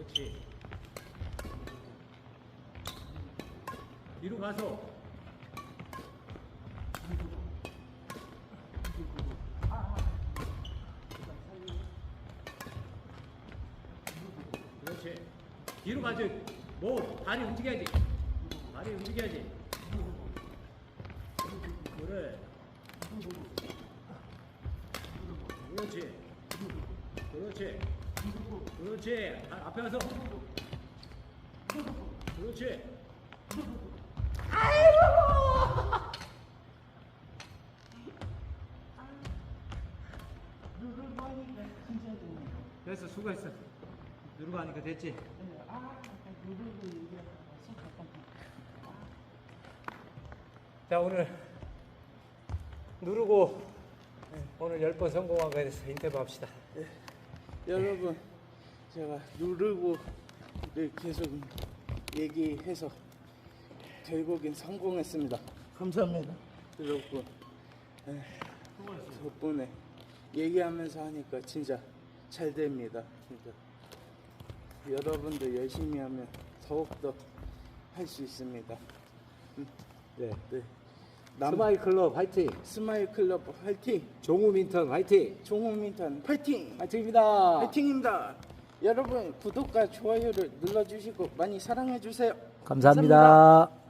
그렇지. 뒤로 가서. 그렇지. 뒤로 가지. 뭐 다리 움직여야지. 다리 움직여야지. 그래. 그렇지. 그렇지. 그렇지. 앞에 가서. 그렇지. 아이고. 누르고 하니까 진짜 되네. 됐어, 수고했어. 누르고 하니까 됐지. 누르고 얘기하다가 손 자, 오늘 누르고 오늘 10번 성공한 거에 대해서 인터뷰 합시다. 여러분, 제가 누르고를 계속 얘기해서 결국엔 성공했습니다. 감사합니다. 여러분, 덕분에 얘기하면서 하니까 진짜 잘 됩니다. 진짜 여러분들 열심히 하면 더욱더 할 수 있습니다. 네. 네. 스마일 클럽 화이팅! 스마일 클럽 화이팅! 종우 민턴 화이팅! 종호민턴 파이팅! 화이팅입니다! 파이팅입니다. 여러분 구독과 좋아요를 눌러주시고 많이 사랑해주세요. 감사합니다.